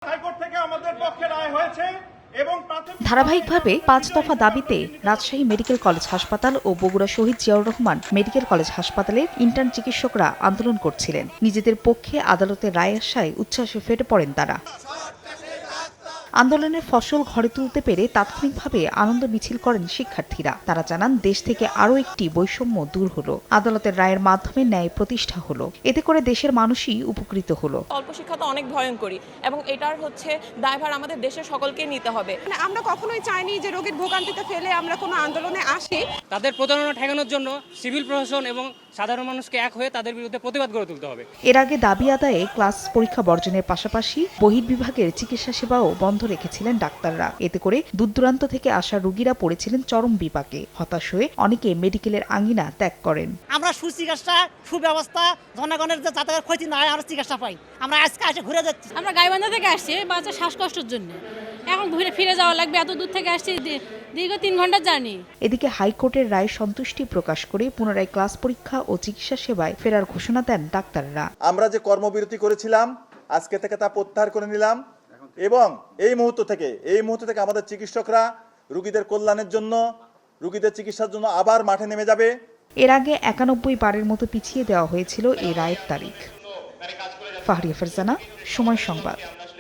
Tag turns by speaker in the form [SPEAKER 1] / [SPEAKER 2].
[SPEAKER 1] High court থেকে আমাদের পক্ষে রায় হয়েছে এবং
[SPEAKER 2] ধারাবাহিকভাবে 5 দফা দাবিতে রাজশাহী মেডিকেল কলেজ হাসপাতাল ও বগুড়া শহীদ জিয়াউর রহমান মেডিকেল কলেজ হাসপাতালের ইন্টার্ন চিকিৎসকরা আন্দোলন করছিলেন। নিজেদের পক্ষে আদালতের রায় আসায় উচ্ছ্বাসে ফেটে পড়েন তারা। আন্দোলনের ফসল ঘরে তুলতে পেরে তাৎক্ষণিকভাবে আনন্দ মিছিল করেন শিক্ষার্থীরা। তারা জানান দেশ থেকে আরও একটি বৈষম্য দূর হলো, আদালতের রায়ের মাধ্যমে ন্যায় প্রতিষ্ঠা হলো। এতে করে দেশের মানুষই উপকৃত হলো।
[SPEAKER 3] অল্প শিক্ষা তো অনেক ভয়ঙ্করী এবং এটার দায়ভার আমাদের দেশের সকলকে নিতে হবে।
[SPEAKER 4] আমরা কখনোই চাইনি যে রোগীর ভোগান্তিতে ফেলে আমরা কোনো আন্দোলনে আসি।
[SPEAKER 5] তাদের প্রতারণা ঠেকানোর জন্য সিভিল প্রশাসন এবং সাধারণ মানুষকে এক হয়ে তাদের বিরুদ্ধে প্রতিবাদ গড়ে তুলতে হবে।
[SPEAKER 2] এর আগে দাবি আদায়ে ক্লাস পরীক্ষা বর্জনের পাশাপাশি বহির্বিভাগের চিকিৎসা সেবাও বন্ধ রেখেছিলেন ডাক্তাররা। এতে করে দূরদূরান্ত থেকে আসা রোগীরা পড়েছিলেন চরম বিপাকে। হতাশ হয়ে অনেকে মেডিকেলের আঙ্গিনা ত্যাগ করেন।
[SPEAKER 6] আমরা সুচিকিৎসা সুব্যবস্থা জনগণের যে যাতায়াতের ক্ষতি না হয় আমরা চিকিৎসা পাই। আমরা আজকে এসে ঘুরে যাচ্ছি।
[SPEAKER 7] আমরা গাইবান্ধা থেকে আসছি বাচ্চা শ্বাসকষ্টের জন্য, এখন ঘুরে ফিরে যাওয়া লাগবে। এত দূর থেকে আসছি, দীর্ঘ 3 ঘন্টার জার্নি।
[SPEAKER 2] এদিকে হাইকোর্টের রায়ে সন্তুষ্টি প্রকাশ করে পুনরায় ক্লাস পরীক্ষা ও চিকিৎসা সেবায় ফেরার ঘোষণা দেন ডাক্তাররা।
[SPEAKER 1] আমরা যে কর্মবিরতি করেছিলাম আজকে থেকে তা প্রত্যাহার করে নিলাম এবং এই মুহূর্ত থেকে আমাদের চিকিৎসকরা রোগীদের কল্যাণের জন্য, রোগীদের চিকিৎসার জন্য আবার মাঠে নেমে যাবে।
[SPEAKER 2] এর আগে 91 বারের মতো পিছিয়ে দেওয়া হয়েছিল এই রায়ের তারিখ। ফাহরিয়া ফারজানা, সময় সংবাদ।